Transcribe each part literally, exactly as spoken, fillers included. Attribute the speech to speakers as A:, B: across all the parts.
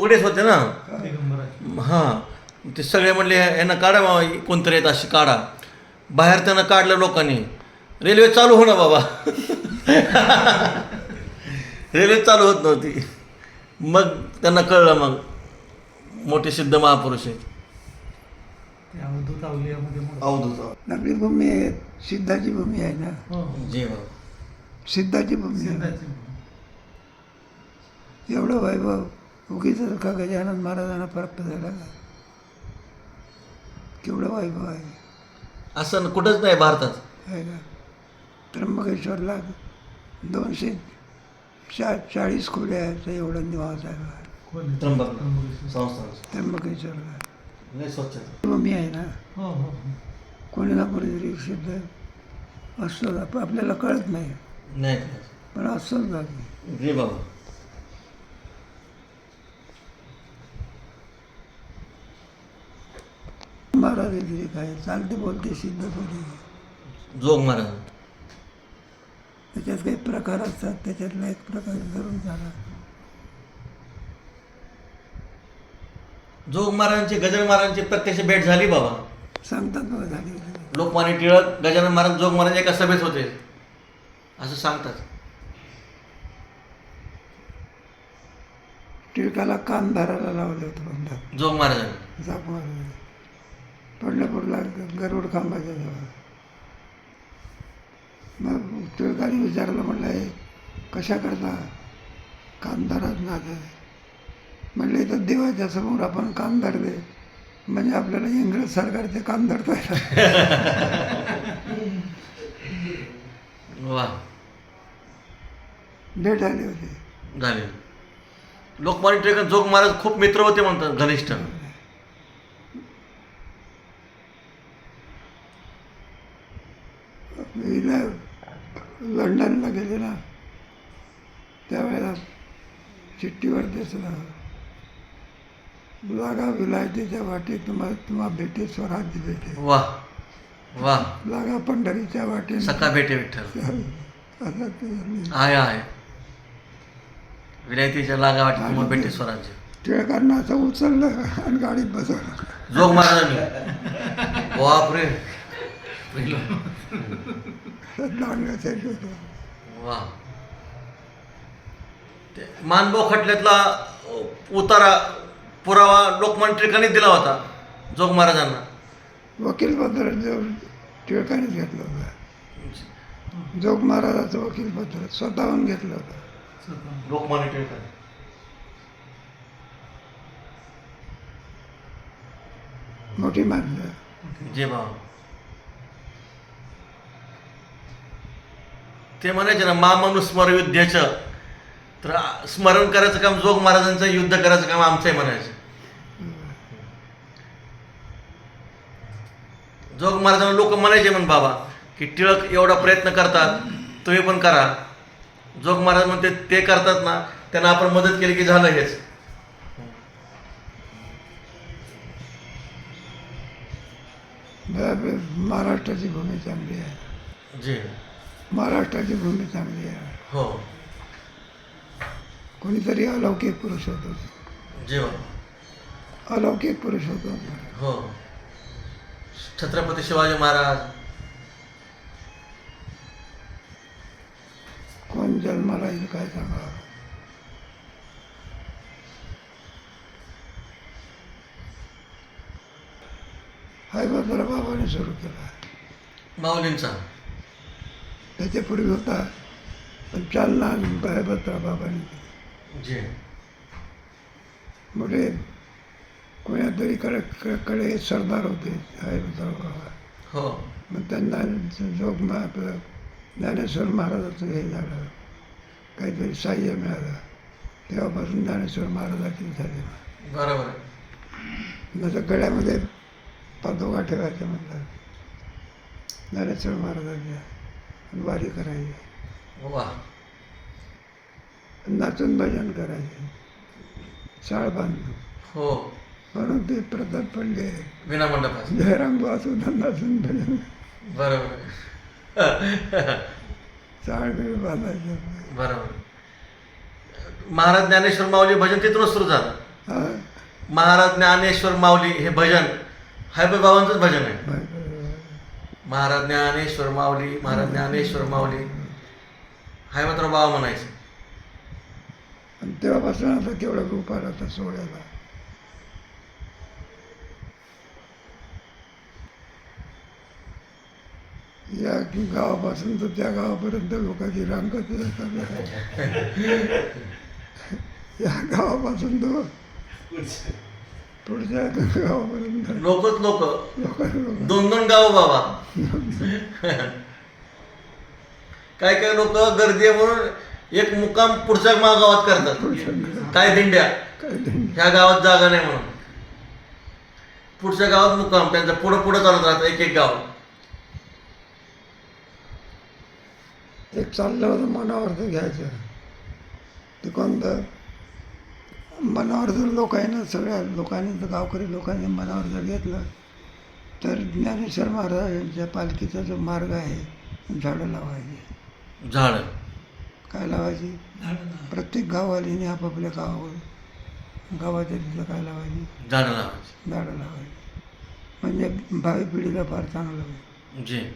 A: फुगडेच होते ना. हां, ते सगळे म्हणले यांना काढा बाबा, कोणतरी येत अशी काढा. बाहेर त्यांना काढलं लोकांनी. रेल्वे चालू हो ना बाबा. रेल्वे चालू होत नव्हती. मग त्यांना कळलं, मग मोठे सिद्ध महापुरुष आहेत. अवधूत
B: आपली भूमी आहे, सिद्धाची भूमी आहे ना.
A: जी बाबा.
B: सिद्धाची भूमी आहे. एवढं वैभव उगीच का गजानन महाराजांना प्राप्त झाला का? केवढं वैभव आहे
A: असं कुठंच नाही भारतात.
B: आहे का? त्र्यंबकेश्वरला दोनशे चा चाळीस खोल्या आहेत, एवढा निवास आहे
A: त्र्यंबक संस्थान
B: त्र्यंबकेश्वरला.
A: लय स्वच्छता.
B: भूमी आहे ना. कोणी ना कोणीतरी सिद्ध असतं, आप- आपल्याला कळत नाही,
A: नाही
B: पण असंच जागी.
A: जी बाबा.
B: महाराज तरी काय चालते बोलते सिद्ध थोडी.
A: जोग महाराज.
B: त्याच्यात काही प्रकार असतात, त्याच्यातला एक प्रकार जरूर झाला.
A: जोग महाराजांची, गजानन महाराजांची प्रत्यक्ष भेट झाली बाबा.
B: सांगतात बघा झाली.
A: लोकमान्य टिळक, गजानन महाराज, जोग महाराज एका सभेत होते असं सांगतात.
B: टिळकाला कान धरायला लावलं होतं म्हणतात
A: जोग महाराजांनी.
B: जाप मारून पंढरपूरला गरुड खांबाच्या जवळ. मग टिळकाने विचारलं, म्हणलं हे कशा करता कान धरत ना? म्हणले तर देवाच्या समोर आपण कान धरले म्हणजे आपल्याला इंग्रज सरकारचे कान धरता
A: वा.
B: भेट आली होती.
A: झाले. लोकमान्य टिळक, जोग महाराज खूप मित्र होते म्हणतात, घनिष्ठ.
B: हिला लंडनला गेले ना, त्यावेळेला चिठ्ठीवर दिसलं, लागा विलायतीच्या वाटी तुम्हा तुम्हा भेटे स्वराज्य भेटे.
A: वा वा.
B: लागा पंढरीच्या वाटी
A: सखा भेटे विठ्ठल.
B: असं ते झालं.
A: आहे आहे. विलायतीच्या लागा वाटी तुम्हाला भेटे स्वराज्य.
B: टिळकांना असं उचललं आणि गाडीत बसवलं.
A: जोग महाराजांनी. बापरे.
B: दांडगासाठी होतं.
A: वा. ते मानभाऊ खटल्यातला उतारा, पुरावा लोकमान्य टिळकांनी दिला होता जोग महाराजांना.
B: वकीलपत्र जो टिळकानेच घेतलं होतं. जोग महाराजाचं वकीलपत्र स्वतःहून घेतलं होतं.
A: लोकमान्य टिळकांनी.
B: मोठी माणसं.
A: जे बाबा. ते म्हणायचे ना, मामनुस्मर युद्धाचं, तर स्मरण करायचं काम जोग महाराजांचं, युद्ध करायचं काम आमचं आहे म्हणायचं. जोग महाराजांना लोक म्हणायचे म्हण बाबा की टिळक एवढा प्रयत्न करतात, तुम्ही पण करा. जोग महाराज म्हणते ते करतात ना, त्यांना आपण मदत केली की झालं हेच.
B: महाराष्ट्राची भूमी चांगली आहे.
A: जी.
B: महाराष्ट्राची भूमी चांगली आहे.
A: हो.
B: कोणीतरी अलौकिक पुरुष होतो.
A: जेव्हा
B: अलौकिक पुरुष होतो.
A: हो. छत्रपती शिवाजी महाराज.
B: कोण जन्माला येईल काय सांगा. हैबतराव बाबाने सुरू केला.
A: माऊलींचा.
B: त्याच्यापूर्वी होता, पण चालना हैबतराव बाबाने केली.
A: जी.
B: मोठे कोणातरी कडे कडे सरदार होते हैबतराव बाबा.
A: हो.
B: मग त्यांना जोग आपलं ज्ञानेश्वर महाराजाचं हे झालं, काहीतरी साह्य मिळालं. तेव्हापासून ज्ञानेश्वर महाराजाची झाली.
A: बरोबर.
B: माझ्या गळ्यामध्ये पादोगा ठेवायच्या म्हणतात ज्ञानेश्वर महाराजांच्या, वारी करायची,
A: वा.
B: नाचून भजन करायचे, शाळ बांधून.
A: हो.
B: म्हणून ते प्रताप पडले
A: विना मंडपात.
B: जयराम वासू नाचून भजन.
A: बरोबर.
B: चाळ बीळ बांधायचं.
A: बरोबर. महाराज ज्ञानेश्वर माऊली भजन तिथूनच सुरू झालं.
B: हा
A: महाराज ज्ञानेश्वर माऊली हे भजन हायपे बाबांचंच भजन आहे.
B: बर-
A: महाराज ज्ञानेश्वर माऊली, महाराज ज्ञानेश्वर माऊली हाय मात्र बाबा म्हणायचं.
B: आणि तेव्हापासून आता केवढा रूप आला आता सोहळ्याला. या गावापासून तर त्या गावापर्यंत लोकांची रांग कशी असतात. या गावापासून तर पुढच्या गावापर्यंत
A: लोकच लोक,
B: लोकांना
A: दोन दोन गाव बाबा. काय काय लोक गर्दी आहे म्हणून एक मुक्काम पुढच्या मा- गावात करतात. काय दिंड्या
B: काय त्यांनी
A: ह्या गावात जागा नाही म्हणून पुढच्या गावात मुक्काम त्यांचा पुढं पुढं चालत राहतं एक एक गाव.
B: एक चाललं होतं मनावरचं घ्यायचं. ते कोणतं मनावर जर लोकांना सगळ्या लोकांनी जर गावकरी लोकांनी मनावर जर घेतलं तर ज्ञानेश्वर महाराजांच्या पालखीचा जो मार्ग आहे झाडं लावायची.
A: झाड
B: काय लावायची? प्रत्येक गाववालीने आपापल्या गावावर गावाच्या तिथं काय लावायची?
A: झाड लावायची.
B: झाडं लावायची. म्हणजे भावी पिढीला फार चांगलं होईल.
A: जे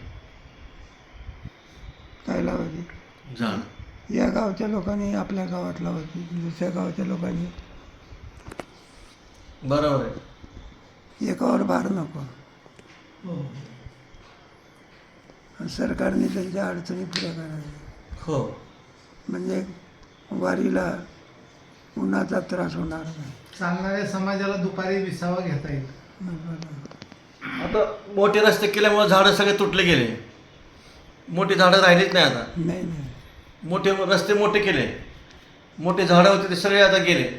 B: काय लावायची?
A: झाड
B: या गावच्या लोकांनी आपल्या गावात लावायची, दुसऱ्या गावच्या लोकांनी.
A: बरोबर आहे.
B: एकावर भार नको. आणि सरकारने त्यांच्या अडचणी पुऱ्या करायच्या.
A: हो
B: म्हणजे वारीला उन्हाचा त्रास होणार नाही.
C: चालणाऱ्या समाजाला दुपारी विसावा घेता येईल.
A: आता मोठे रस्ते केल्यामुळे झाडं सगळे तुटले गेले. मोठी झाडं राहिलीच नाही आता.
B: नाही नाही
A: मोठे रस्ते मोठे केले, मोठे झाडं होते ते सगळे आता गेले.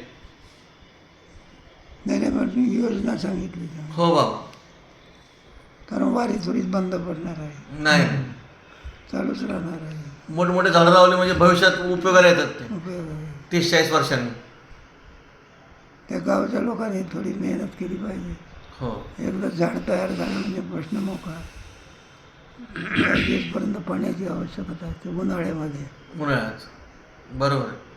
B: नाही नाही पण योजना सांगितली त्यांनी.
A: हो बाबा.
B: कारण वारी थोडीच बंद पडणार आहे,
A: नाही
B: चालूच राहणार आहे.
A: मोठमोठे झाडं लावले म्हणजे भविष्यात उपयोगाला येतात ते
B: उपयोग आहे.
A: तीस चाळीस वर्षांनी.
B: त्या गावच्या लोकांनी थोडी मेहनत केली पाहिजे.
A: हो
B: एकदा झाड तयार झालं म्हणजे प्रश्न मोकळा. काही दिवसपर्यंत पाण्याची आवश्यकता आहे ते उन्हाळ्यामध्ये.
A: उन्हाळ्यात बरोबर आहे.